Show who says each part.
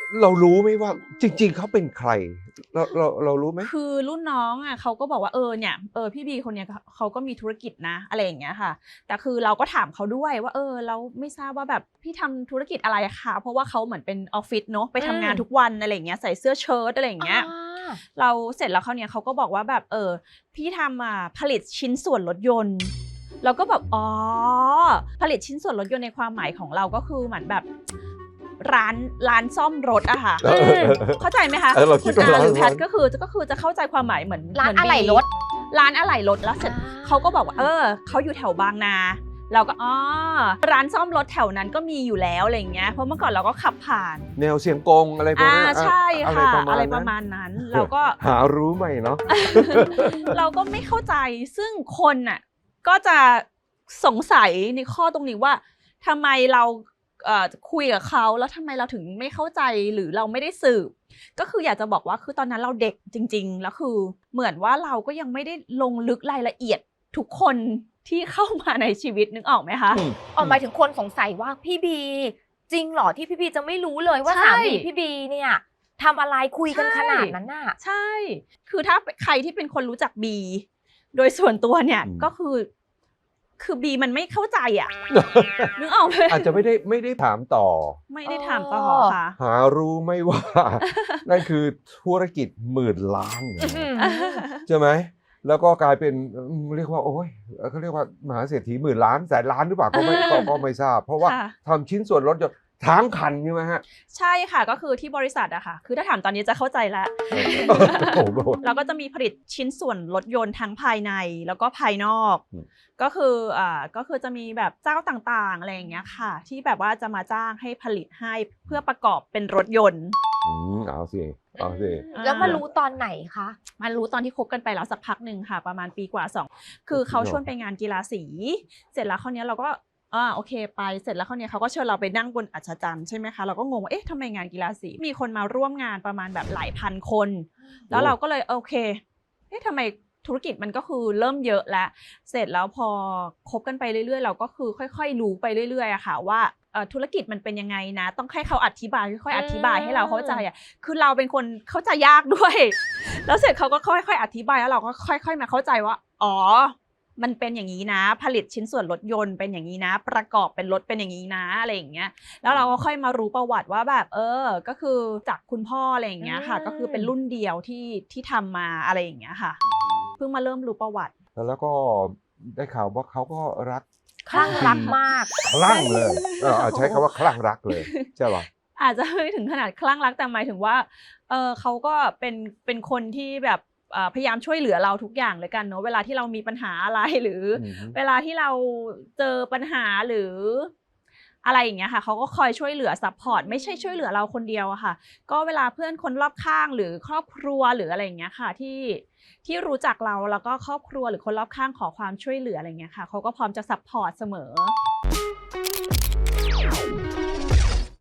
Speaker 1: เรารู้ไหมว่าจริงๆเขาเป็นใครเรารู้ไหม
Speaker 2: คือรุ่นน้องอ่ะเขาก็บอกว่าเนี่ยพี่บีคนเนี้ยเขาก็มีธุรกิจนะอะไรอย่างเงี้ยค่ะแต่คือเราก็ถามเขาด้วยว่าเราไม่ทราบว่าแบบพี่ทำธุรกิจอะไรคะเพราะว่าเขาเหมือนเป็นออฟฟิศเนาะไปทำงานทุกวันอะไรอย่างเงี้ยใส่เสื้อเชิ้ตอะไรอย่างเงี้ยเราเสร็จแล้วเขาเนี้ยเขาก็บอกว่าแบบพี่ทำผลิตชิ้นส่วนรถยนต์เราก็แบบผลิตชิ้นส่วนรถยนต์ในความหมายของเราก็คือเหมือนแบบร้านซ่อมรถอะค่ะเข้าใจไหมคะคุณอาหรือแพทก็คือจะเข้าใจความหมายเหมือน
Speaker 3: ร้านอะไหล่รถ
Speaker 2: แล้วเสร็จเขาก็บอกว่าเขาอยู่แถวบางนาเราก็ร้านซ่อมรถแถวนั้นก็มีอยู่แล้วอะไรอย่างเงี้ยเพราะเมื่อก่อนเราก็ขับผ่าน
Speaker 1: แนวเสียงกงอะไรพวกนี้
Speaker 2: ใช่ค่ะอะไรประมาณนั้นเราก็
Speaker 1: หารู้ไหมเนาะ
Speaker 2: เราก็ไม่เข้าใจซึ่งคนน่ะก็จะสงสัยในข้อตรงนี้ว่าทำไมเราคุยกับเขาแล้วทำไมเราถึงไม่เข้าใจหรือเราไม่ได้สืบก็คืออยากจะบอกว่าคือตอนนั้นเราเด็กจริงๆแล้วคือเหมือนว่าเราก็ยังไม่ได้ลงลึกรายละเอียดทุกคนที่เข้ามาในชีวิตนึกออกไหมคะ
Speaker 3: หมายถึงคนสงสัยว่าพี่บีจริงเหรอที่พี่บีจะไม่รู้เลยว่าสามีพี่บีเนี่ยทำอะไรคุยกันขนาดนั้นน่ะ
Speaker 2: ใช่คือถ้าใครที่เป็นคนรู้จักบีโดยส่วนตัวเนี่ยก็คือบีมันไม่เข้าใจอ่ะนึกออกไหม
Speaker 1: อาจจะไม่ได้ถามต่อ
Speaker 2: ไม่ได้ถามต่อค่ะ
Speaker 1: หารู้ไหมว่านั่นคือธุรกิจ10,000 ล้านใช่ไหมแล้วก็กลายเป็นเรียกว่าโอ้ยเขาเรียกว่ามหาเศรษฐี10,000 ล้านแสนล้านหรือเปล่าก็ไม่ทราบเพราะว่าทำชิ้นส่วนรถยนต์ทั้งคันใช่ไหมฮะ
Speaker 2: ใช่ค่ะก็คือที่บริษัทอะค่ะคือถ้าถามตอนนี้จะเข้าใจแล้วเราก็จะมีผลิตชิ้นส่วนรถยนต์ทั้งภายในแล้วก็ภายนอกก็คือจะมีแบบเจ้าต่างๆอะไรอย่างเงี้ยค่ะที่แบบว่าจะมาจ้างให้ผลิตให้เพื่อประกอบเป็นรถยนต์
Speaker 1: เอาสิ
Speaker 3: แล้วมารู้ตอนไหนคะ
Speaker 2: มารู้ตอนที่คบกันไปแล้วสักพักหนึ่งค่ะประมาณปีกว่า2คือเขาชวนไปงานกีฬาสีเสร็จแล้วคราวนี้เราก็โอเคไปเสร็จแล้วเขาเนี่ยเขาก็เชิญเราไปนั่งบนอัศจรรย์ใช่ไหมคะเราก็งงว่าทำไมงานกีฬาสีมีคนมาร่วมงานประมาณแบบหลายพันคนแล้วเราก็เลยโอเคทำไมธุรกิจมันก็คือเริ่มเยอะแล้วเสร็จแล้วพอคบกันไปเรื่อยๆเราก็คือค่อยๆรู้ไปเรื่อยๆอะค่ะว่าธุรกิจมันเป็นยังไงนะต้องให้เขาอธิบายค่อยๆอธิบายให้เราเข้าใจอะคือเราเป็นคนเข้าใจยากด้วยแล้วเสร็จเขาก็ค่อยๆอธิบายแล้วเราก็ค่อยๆมาเข้าใจว่ามันเป็นอย่างนี้นะผลิตชิ้นส่วนรถยนต์เป็นอย่างนี้นะประกอบเป็นรถเป็นอย่างนี้นะอะไรอย่างเงี้ยแล้วเราก็ค่อยมารู้ประวัติว่าแบบก็คือจากคุณพ่ออะไรอย่างเงี้ยค่ะก็คือเป็นรุ่นเดียวที่ทำมาอะไรอย่างเงี้ยค่ะเพิ่งมาเริ่มรู้ประวัติ
Speaker 1: แล้วก็ได้ข่าวว่าเขาก็
Speaker 3: คลั่งรักมาก
Speaker 1: คลั่งเลยใช้คำว่าคลั่งรักเลยใช่ป่ะ
Speaker 2: อาจจะไม่ถึงขนาดคลั่งรักแต่หมายถึงว่าเขาก็เป็นคนที่แบบพยายามช่วยเหลือเราทุกอย่างเลยกันเนาะเวลาที่เรามีปัญหาอะไรหรือเวลาที่เราเจอปัญหาหรืออะไรอย่างเงี้ยค่ะเขาก็คอยช่วยเหลือซัพพอร์ตไม่ใช่ช่วยเหลือเราคนเดียวอะค่ะก็เวลาเพื่อนคนรอบข้างหรือครอบครัวหรืออะไรอย่างเงี้ยค่ะที่รู้จักเราแล้วก็ครอบครัวหรือคนรอบข้างขอความช่วยเหลืออะไรเงี้ยค่ะเขาก็พร้อมจะซัพพอร์ตเสมอ